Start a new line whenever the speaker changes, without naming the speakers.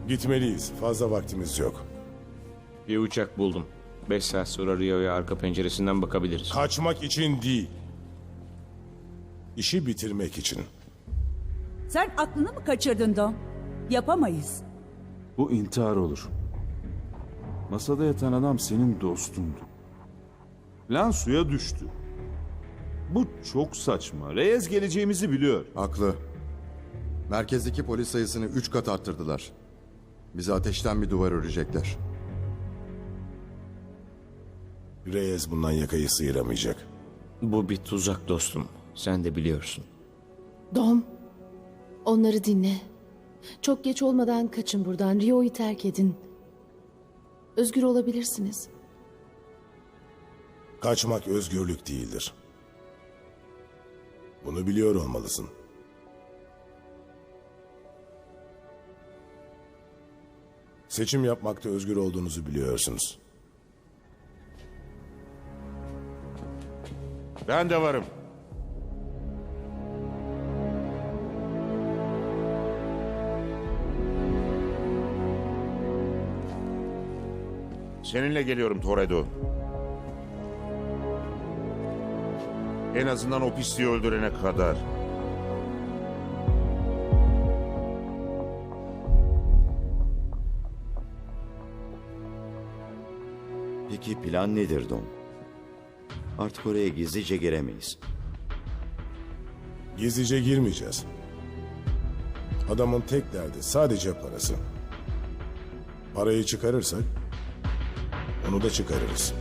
Gitmeliyiz. Fazla vaktimiz yok.
Bir uçak buldum. 5 saat sonra Rio'ya arka penceresinden bakabiliriz.
Kaçmak için değil. İşi bitirmek için.
Sen aklını mı kaçırdın Dom? Yapamayız.
Bu intihar olur. Masada yatan adam senin dostundu. Plan suya düştü. Bu çok saçma. Reyes geleceğimizi biliyor.
Haklı. Merkezdeki polis sayısını 3 kat arttırdılar. Bize ateşten bir duvar örecekler.
Reyes bundan yakayı sıyıramayacak.
Bu bir tuzak dostum. Sen de biliyorsun.
Dom, onları dinle. Çok geç olmadan kaçın buradan. Rio'yu terk edin. Özgür olabilirsiniz.
Kaçmak özgürlük değildir. Bunu biliyor olmalısın. Seçim yapmakta özgür olduğunuzu biliyorsunuz.
Ben de varım. Seninle geliyorum Toredo. En azından o pisliği öldürene kadar.
Peki plan nedir Dom? Artık oraya gizlice giremeyiz.
Gizlice girmeyeceğiz. Adamın tek derdi sadece parası. Parayı çıkarırsak onu da çıkarırız.